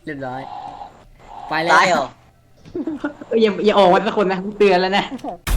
เรียบร้อยไปแล้วตายเหรออย่าออกมาสักคนนะกูเตือนแล้วนะ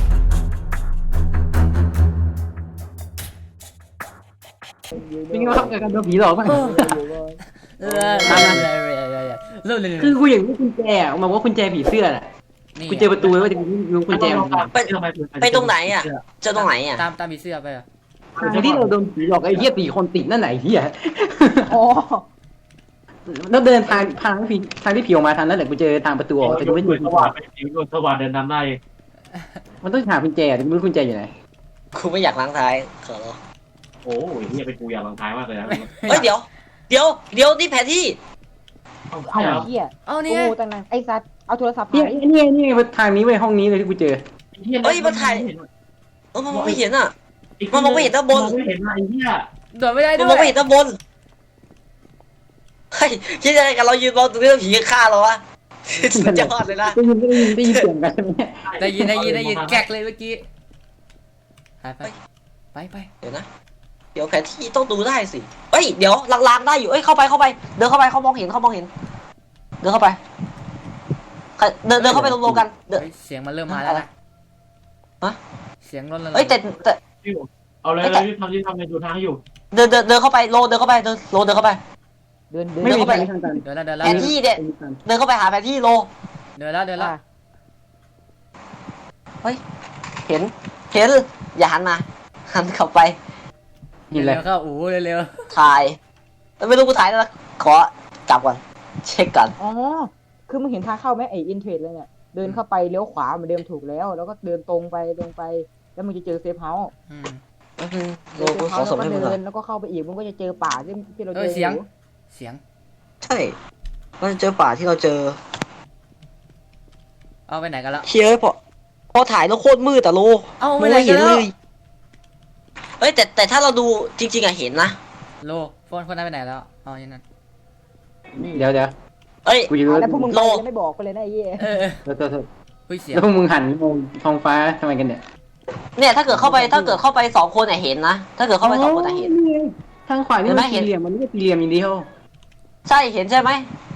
นี่ก็ทำกันโดนผีหลอกป่ะเริ่มคือกูอย่างนี้กุญแจอ่ะมันว่ากุญแจผีเสื้อน่ะกูเจอประตูแล้วว่าจะรู้กุญแจมันไปตรงไหนอ่ะเจอตรงไหนอ่ะตามผีเสื้อไปอ่ะที่เราโดนผีหลอกไอ้เหี้ย4 คนติดนั่นไหนเหี้ยอ๋อแล้วเดินทางที่ผีออกมาทางนั้นแหละกูเจอทางประตูออกแต่กูไม่รู้สว่างไปสีสว่างเดินนำได้มันต้องหากุญแจแต่กูไม่รู้กุญแจอยู่ไหนกูไม่อยากล้างท้ายขอร้องโอ้ยเฮียเป็นกูอยากลองท้ายมากเลยนะเฮ้ยเดี๋ยวนี่แผนที่ใช่ครับเหี้ยเอาโอ้นี่ไงตั้งนานไอ้สัตว์เอาโทรศัพท์เนี่ยหายนี่ทางนี้เว้ยห้องนี้เลยที่กูเจอเฮ้ยมาถ่ายมันมองไม่เห็นอ่ะ มันมองไม่เห็นด้านบนไม่เห็นไอ้เหี้ยโดดไม่ได้มันด้มวองไม่เห็ยนด้านบนเฮ้ยคิดยังไงกันเรายืนมองตรงนี้แล้วผีจะฆ่าเราวะสุดยอดเลยนะได้ยินเสียงกันใช่ไหมได้ยินแกกเลยเมื่อกี้ไปเดี๋ยวนะเดี๋ยวแผนที่ต้องดูได้สิเอ้ยเดี๋ยวลางๆได้อยู่เอ้ยเข้าไปเดินเข้าไปเขามองเห็นเดินเข้าไปเดินเข้าไปรวมๆกันเดินเสียงมันเริ่มมาแล้วนะฮะเสียงรถแล้วเอ้ยแต่เอาเลยรีบทำในดูทางให้อยู่เดินเข้าไปโลเดินเข้าไปเดินเข้าไปเดินไม่มีเข้าไปทางกันเดินแล้วแผนที่เนี่ยเดินเข้าไปหาแผนที่โลเดินแล้วเห็นอย่าหันมาหันเข้าไปนี่แหละเร็วเข้าอู้เร็วถ่ายแต่ไม่รู้กูถ่ายแล้วขอกลับก่อนเช็คก่อนอ๋อคือมึงเห็นทางเข้าไหมไอ้อินเทรดเลยเนี่ยเดินเข้าไปเลี้ยวขวาเหมือนเดิมถูกแล้วแล้วก็เดินตรงไปแล้วมึงจะเจอเซฟเฮาส์โลกูขอสมให้มึงหน่อยแล้วก็เข้าไปอีกมึงก็จะเจอป่าที่เราเจอเสียงใช่เราเจอป่าที่เราเจอเอาไปไหนกันแล้วเชียร์พอถ่ายแล้วโคตรมืดแต่โลเอาไปไม่ไหนได้กัเห็นนแล้เลวยเฮ้ยแต่ถ้าเราดูจริงๆอะเห็นนะโลโฟนคนนั้นไปไหนแล้วอ๋อยังนั้นเดี๋ยวเอ้ยกูจะรู้แล้วพวกมึงโลไม่บอกไปเลยนะไอ้เหี้ยเสียงแล้วพวกมึงหันมองท้องฟ้าทำไมกันเนี่ยเนี่ยถ้าเกิดเข้าไป2 คนอะเห็นนะถ้าเกิดเข้าไป2 คนอะเห็นทางขวานี่มันเห็นไหมสี่เหลี่ยมมันไม่ใช่สี่เหลี่ยมอย่างเดียวใช่เห็นใช่ไหม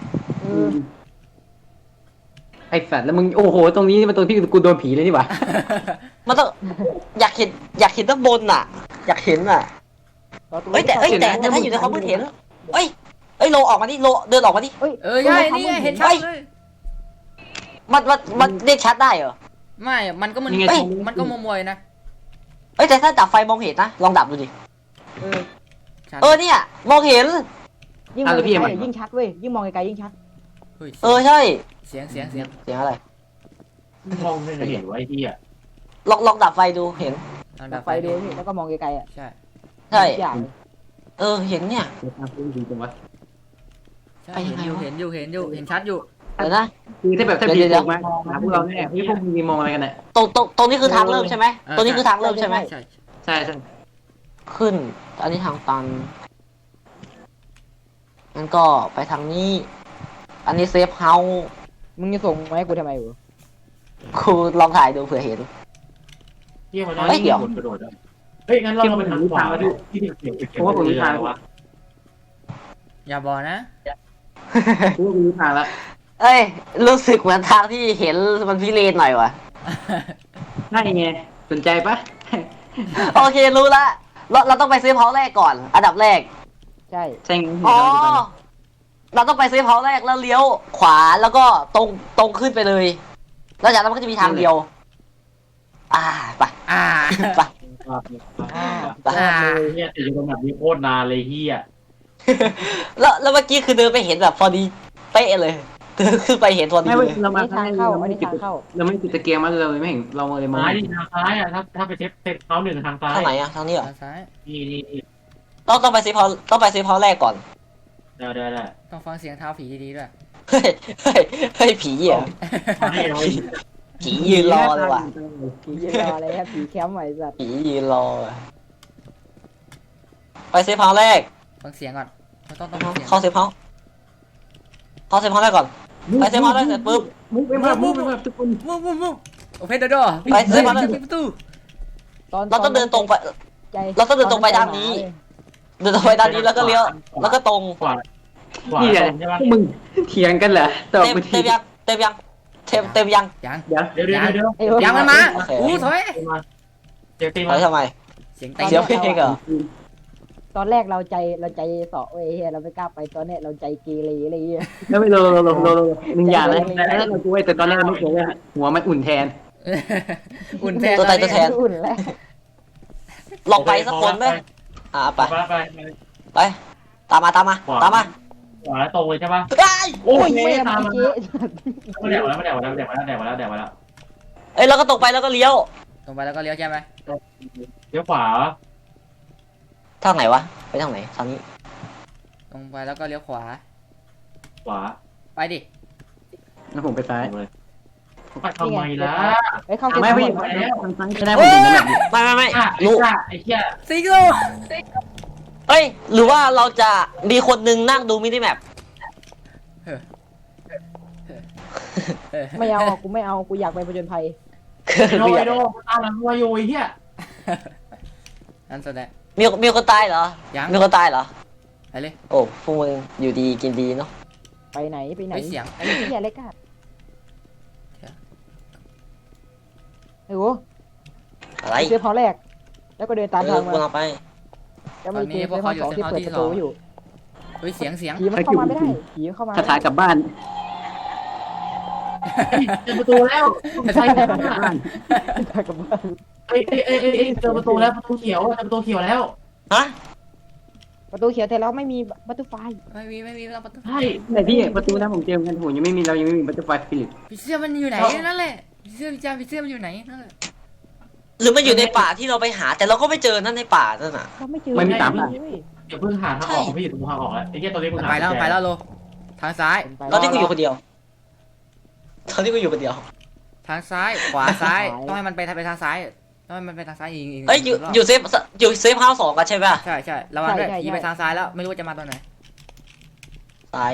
ไอ้สัตว์แล้วมึงโอ้โหตรงนี้มันตรงที่กูโดนผีเลยนี่หว่ามันต้องอยากเห็นด้านบนน่ะ อยากเห็นน่ะเฮ้ยแต่ถ้าอยู่ในความมืดเห็นเอ้ยโลออกมาดิโลเดินออกมาดิใช่นี่เห็นชัดเลยมันเรียกชัดได้เหรอไม่มันก็มันมัวๆนะเอ้ยแต่ถ้าดับไฟมองเห็นนะลองดับดูดิเนี่ยมองเห็นยิ่งมองไกลยิ่งชัดเว้ยยิ่งมองไกลยิ่งชัดใช่เสียงเสียงอะไรมองไม่เห็นไว้ที่อ่ะลองดับไฟดูเห็นดับไฟดูนี่แล้วก็มองไกลๆอ่ะใช่ใช่อย่างเห็นเนี่ยเห็นอยู่เห็นชัดอยู่เดี๋ยวนะคือถ้าแบบถ้าผีออกมาหาพวกเราเนี่ยพวกมึงมองอะไรกันเนี่ยตรงนี้คือทางเริ่มใช่ไหมตรงนี้คือทางเริ่มใช่ไหมใช่ใช่ขึ้น อันนี้ทางตันงั้นก็ไปทางนี้ อันนี้เซฟเฮาส์มึงจะส่งมาให้กูทำไมวะกูลองถ่ายดูเผื่อเห็นเฮียมันได้กระโดดได้เฮ้ยงั้นเราไปทางขวาที่เสียงเพราะว่าผมรู้ทางวะอย่าบอกนะพวกมึงรู้ทางแล้วเอ้ยรู้สึกเหมือนทางที่เห็นมันพิเรนหน่อยวะใช่ไงสนใจปะโอเครู้ละเราต้องไปเซฟเฮาส์แรกก่อน อันดับแรกใช่ใช่ไงอ๋อเราต้องไปเซฟเฮาส์แรกแล้วเลี้ยวขวาแล้วก็ตรงขึ้นไปเลยแล้วจากนั้นมันก็จะมีทางเดียวไป ไปเฮียติดอยู่ตรงแบบนี้โคตรนานเลยเฮียแล้วเมื่อกี้คือเดินไปเห็นแบบพอดีเป๊ะเลยเดินขึ้นไปเห็นพอดีไม่เลยเรามาทางเข้าอันนี้ทางเข้าเราไม่ติดตะเกียงมาเราเลยไม่เห็นเราเลยมองซ้ายทางซ้ายอ่ะถ้าไปเช็คเขาหนึ่งทางซ้ายทางไหนอะทางนี้เหรอซ้ายนี่ต้องไปเซฟเฮาส์แรกก่อนได้ต้องฟังเสียงเท้าผีดีๆด้วยเฮ้ยผีเหรอให้เราผียืนรอเลยว่ะผียืนรออะไรครับผีแคมป์ไว้สัตว์ผียืนรอว่ะไปเซฟเฮาส์แรกฟังเสียงก่อนต้องเสียงเข้าเซฟเฮาส์แรกก่อนไปเซฟเฮาส์แรกเสร็จปุ๊บมุกไปมาทุกคนมุกโอเพนเดอร์ไปเซฟเฮาส์แรกประตูเราต้องเดินตรงไปใจเราต้องเดินตรงไปด้านนี้ เดินตรงไปด้านนี้แล้วก็เลี้ยวแล้วก็ตรงขวาขวานี่แหตละรงใช่ปะพวกมึงเถียงกันเหรอตอบเต็มกูเต็ทีมยังเต็มยังเต็มยังยังเดี๋ยวเดี๋ยวไอ้เว้ยยังมันมาโอเคอู้ถอยมาเดี๋ยวตีถมาอยทำไมเสียงเสียวเพลงเหรอตอนแรกเราใจเสาะเว้ยเฮียเราไม่กล้าไปตอนเนี้ยเราใจเกเรอะไรเงี้ยแล้วไม่โลหนึ่งอย่างนะแล้วเรากูไว้แต่ตอนแรกเราไม่เคยว่าหัวมันอุ่นแทนอุ่นแทนตัวตายตัวแทนอุ่นแล้วลองไปสักคนไหมไปไปไปตามมาตามมาตามมาขวาตรงเลยใช่ปะไอ้ยโอ้โอ้ยยไม่แม่ตามเมื่อมากี้ไม่แดกแล้วไม่แดกแล้วแดกแล้วแดกแล้วแดกแล้วเอ้ยเราก็ตรงไปแล้วก็เลี้ยวตรงไปแล้วก็เลี้ยวใช่ไหมเดี๋ยวขวาทางไหนวะไปทางไหนทางนี้ตรงไปแล้วก็เลี้ยวขวาขวาไปดิแล้วผมไปซ้ายไปทำไมล่ะไอ้เข้าเซฟไม่เฮาไม่ส์ก่อนไม่ได้ผมถึงแบบนี้ไม่ไอ้รู้ไอ้เหี้ยซิกโลเอ้ยหรือว่าเราจะมีคนนึงนั่งดูมินิแมปไม่เอากูไม่เอากูอยากไปผจญภัยโดยโดตามหลังวัวอยู่ไอ้เหี้ยนั่นแสดงมีคนตายเหรอยังมีคนตายเหรอไปเลยโอ้พวกมึงอยู่ดีกินดีเนาะไปไหนไปเสียงไอ้เหี้ยเล็กอะไอ้โหอะไรเซฟเฮาส์แรก แล้วก็เดินตามทางมากูเราไปแล้วมันเจอเซฟเฮาส์สองที่เปิดประตูอยู่เฮ้ยเสียงผีมันเข้ามาไม่ได้ผีเข้ามาคาถากลับบ้านเจอประตูแล้วใช่ไหมกับบ้านเอ้ยเจอประตูแล้วประตูเขียวเจอประตูเขียวแล้วฮะประตูเขียวแต่เราไม่มีบัตเตอร์ไฟไม่มีเราประตูใช่ไหนพี่ประตูนะผมเจอกันโหยังไม่มีเรายังไม่มีบัตเตอร์ไฟสปิริตผีเสื้อมันอยู่ไหนนั่นแหละผีเสื้อผีเสื้อมันอยู่ไหนนั่นแหละหรือมันอยู่ในป่าที่เราไปหา แต่เราก็ไม่เจอนั่นในป่านั่นน่ะเราไม่เจอไม่มีตามเลอ่ะยเดี๋ยวเพิ่งหาทางออกพี่อยู่ตรงทางออกแล้วไอ้เหี้ยตอนนี้เพิ่งหาไปแล้วโลทางซ้ายตอนที่กูอยู่คนเดียวตอนที่กูอยู่คนเดียวทางซ้ายขวาซ้ายต้องให้มันไปทางซ้ายต้องให้มันไปทางซ้ายอีกเอ้ยอยู่เซฟเฮาส์2กันใช่ป่ะใช่ระวังด้วยผีไปทางซ้ายแล้วไม่รู้จะมาตอนไหนซ้าย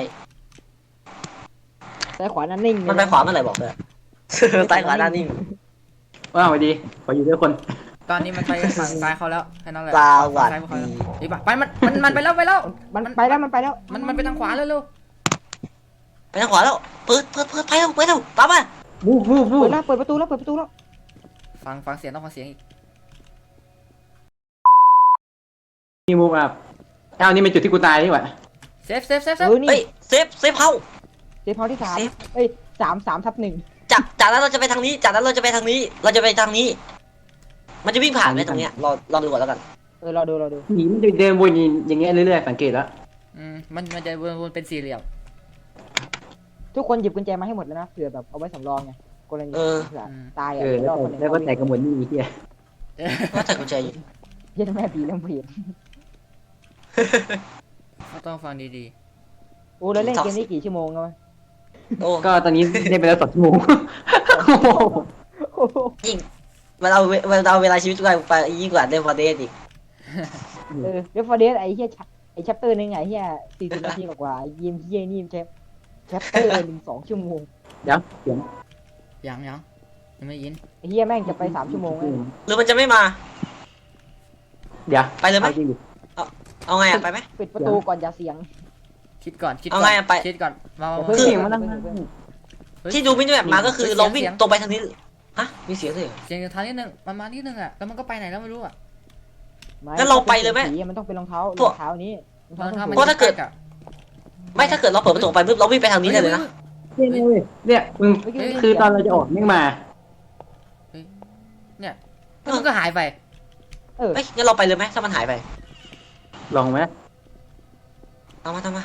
ซ้ายขวานั่นนิ่งมันไปขวาเมื่อไหร่บอกเลยซ้ายขวาด้านนิ่งว้าวดีขออยู่ด้วยคนตอนนี้มันไปฝั่งซ้ายเขาแล้วแค่นั้นแหละสวัสซ้ายเขาดีแล้วไปมันไปแล้วมันไปแล้วมันไปแล้วมันไปทางขวาเร็วไปทางขวาแล้วเปิดไปเร็วตามมาวูบวูบวูบเปิดประตูแล้วฟังเสียงต้องฟังเสียงอีกมีมูฟอัพเอานี่เป็นจุดที่กูตายนี่หว่าเซฟนี่เฮ้ยเซฟเฮาส์เซฟเฮาส์ที่เซฟ 3เอ้ย3/1 จากนั้นเราจะไปทางนี้เราจะไปทางนี้ มันจะวิ่งผ่านไปทางเนี้ยรอดูก่อนแล้วกันรอดูหนีมันเดินวนอย่างเงี้ยเรื่อยๆสังเกตแล้วมันจะวนเป็นสี่เหลี่ยมทุกคนหยิบกุญแจมาให้หมดแล้วนะเผื่อแบบเอาไว้สำรองไงกรณีตายอ่ะแล้วก็แต่กระหมวดนี่เฮียว่าแต่กุญแจอยู่ยันแม่ผีเรื่องผีต้องฟังดีโอ้แล้วเล่นเกมนี้กี่ชั่วโมงแล้วโอ้ก็ตอนนี้ได้ไปแล้ว2 ชั่วโมงยิ่งเวลาเวลาชีวิตไปยิ่งกว่าเดฟอร์เดสอีกเดี๋ยวฟอร์เดสไอ้เหี้ยไอ้แชปเตอร์นึงไอ้เหี้ย40 นาทีกว่ายิมเหี้ยนี่แชปเตอร์นึง2 ชั่วโมงเดี๋ยวเสียงๆยังไม่ยินไอ้เหี้ยแม่งจะไป3 ชั่วโมงแล้วหรือมันจะไม่มาเดี๋ยวไปเลยไหมจริงดิเอาไงไปไหมปิดประตูก่อนอย่าเสียงคิดก่อนเอาไงอะไปคิดก่อนมาเพิ่งเสียงมานั่งที่ดูมินิแมปมาก็คือเราวิ่งตรงไปทางนี้ฮะมีเสียงด้วยเหรอเสียงทางนิดนึงมันมานิดนึงอ่ะแล้วมันก็ไปไหนแล้วไม่รู้อ่ะงั้นเราไปเลยไหมมันต้องเป็นรองเท้านี้เพราะถ้าเกิด ไม่ถ้าเกิดเราเปิดประตูไปปุ๊บเราวิ่งไปทางนี้ได้เลยนะเนี่ยมึงคือตอนเราจะออกไม่มาแล้วมันก็หายไปเอ้ยงั้นเราไปเลยไหมถ้ามันหายไปลองไหมตามมาทางนี้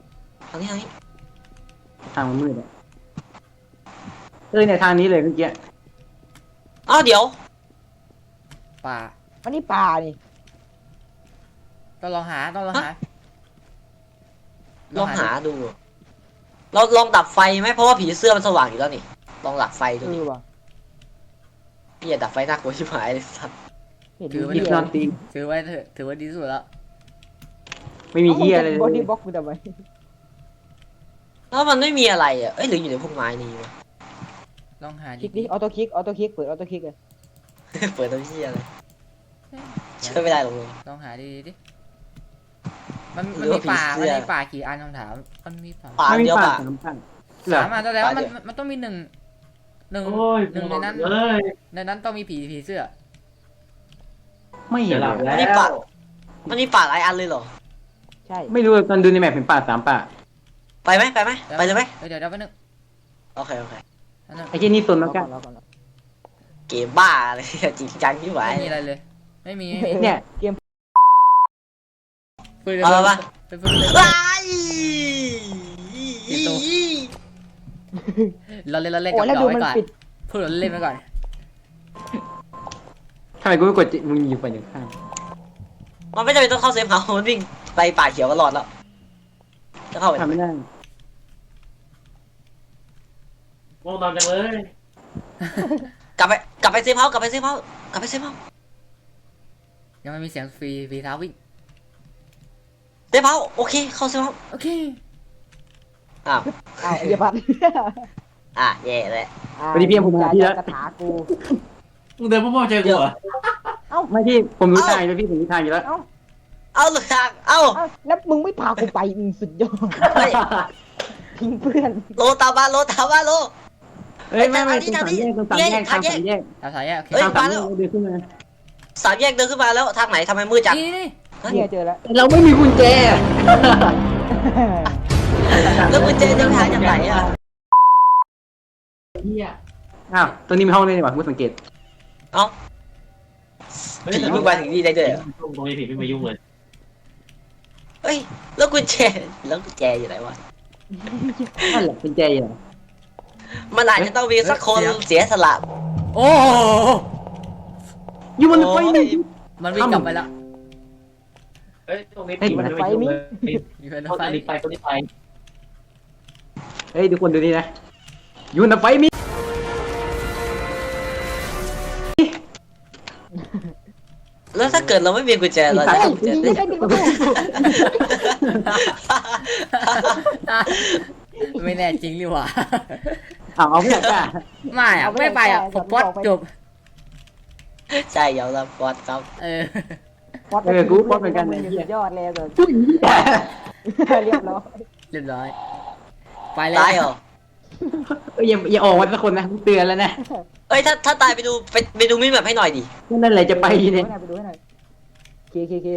ทางมันมืดอ่ะเนี่ยทางนี้เลยเมื่อกี้อ้าวเดี๋ยวป่าอันนี้ป่านี่ต้องลองหาลองหาดู เราลองดับไฟไหมเพราะว่าผีเสื้อมันสว่างอยู่แล้วนี่ลองดับไฟดูดิว่ะพี่อย่าดับไฟน่ากลัวชิบหายเลยสัตว์ยิบนอนตีถือไว้เถอะถือว่าดีที่สุดแล้วไม่มีเฮียอะไรเลยบอดี้บล็อกกูทำไมแล้วมันไม่มีอะไรอ่ะเอ้ยหรืออยู่ในพวกไม้นี่วะลองหาคลิกดิออโต้คลิกเปิดออโต้คลิกเลยเปิดตัวพี่อะไรช่วยไม่ได้หรอกมึงลองหาดีดิมันมีป่ากี่อันคำถามมันมีป่าป่าไม่มีเดียวปาป่ากสามปากเหรอสามอันแสดงว่าป่าเดียวมันต้องมีหนึ่งโอ้ยในนั้นเอ้ยในนั้นต้องมีผีเสื้อไม่เห็จะนหลับเลแล้ยวมันมีป่าหลายอันเลยเหรอใช่ไม่รู้ตอนดูในแมปเห็นปากสามปากไปไหมไปเลยไหมเดี๋ยวแป๊บนึงโอเคอันนั้นไอ้ที่นี่ตนแล้วกันรอก่อนเกมบ้าเลย จริงจังที่ไหวไม่มีอะไรเลย ไม่มีเนี่ยเกมปืนเอาละปะเป็นปืนเลยไอ้เราเล่นโอ้กับแล้วดอดูกไว้มันก่อนปิดพูดเราเล่นไปก่อนทำไมกูไม่กดมึงอยู่ฝั่งข้างมันไม่จำเป็นต้องเข้าเซฟเฮาส์มันวิ่งไปป่าเขียวก็รอดแล้วจะเข้าไปทำไม่ได้ง่วงนอนจังเลยกลับไปเซฟเฮาส์กลับไปเซฟเฮาส์ยังไม่มีเสียงฟรีเท้าวิ่งเซฟเฮาส์โอเคเข้าเซฟเฮาส์โอเคอ้าวอ้าวไอ้เหี้ยพัดแย่เลยวันนี้พี่ผมมาที่แล้วกระถากูมึงเดินพ่อเจอกูเหรอไม่พี่ผมรู้ทางแล้วพี่ผมรู้ทางอยู่แล้วเอาเลยทางเอาอ้าวแล้วมึงไม่พากูไปมึงสุดยอดเฮ้ยทิ้งเพื่อนโลตามมาโลเอ้ยไม่ตรงสามแยกตรงสามแยกทางสามแยกดาวสายโอเคเฮ้ยทางสามแยกเดินขึ้นมาสามแยกเดินขึ้นมาแล้วทางไหนทำไมมืดจังนี่เนี่ยเจอแล้วเราไม่มีกุญแจแล้วกุญแจจะไปหาจากไหนอ่ะเฮียอ้าวตรงนี้มีห้องเลยนี่หว่ากูสังเกตผีมึงมาถึงนี่ได้ด้วยเหรอตรงนี้ผีไม่มายุ่งเลยเฮ้ยแล้วกุญแจอยู่ไหนวะนั่นแหละกุญแจอยู่ไหนมันอาจจะต้องมีสักคนเสียสละโอ้อยู่บนไฟนี่มันวิ่งกลับไปแล้วเฮ้ยตรงนี้ผีมันไม่มายุ่งเลยอยู่ในรเขาถไฟจะรีบไปเขารีบไปเฮ้ยทุกคนดูนี่นะอยู่บนไฟมีแล้วถ้าเกิดเราไม่มีกุญแจเราจะเฮ้ยทำกุญแจยิงได้ไม่ได้ดิไม่แน่จริงหรือวะเอาไม่อยากจ้าไม่อะไม่ไปอะผมป๊อดจบใช่ยอมรับก่อนครับเออกูป๊อปเหมือนกันไอ้สุเหี้ยดยอดเลยแต่ผู้หญิงเรียบร้อยเรียบร้อย ไปแล้วตายเหรอเอ้ยอย่าออกมาสักคนนะเตือนแล้วนะเอ้ยถ้าตายไปดูมินแบบให้หน่อยดินั่นแหละจะไปเนี่ยไปดูให้หน่อยเค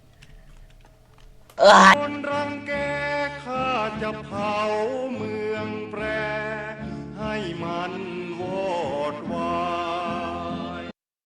เออคนรังแกข้าจะเผาเมืองแปร ให้มันวอดวาย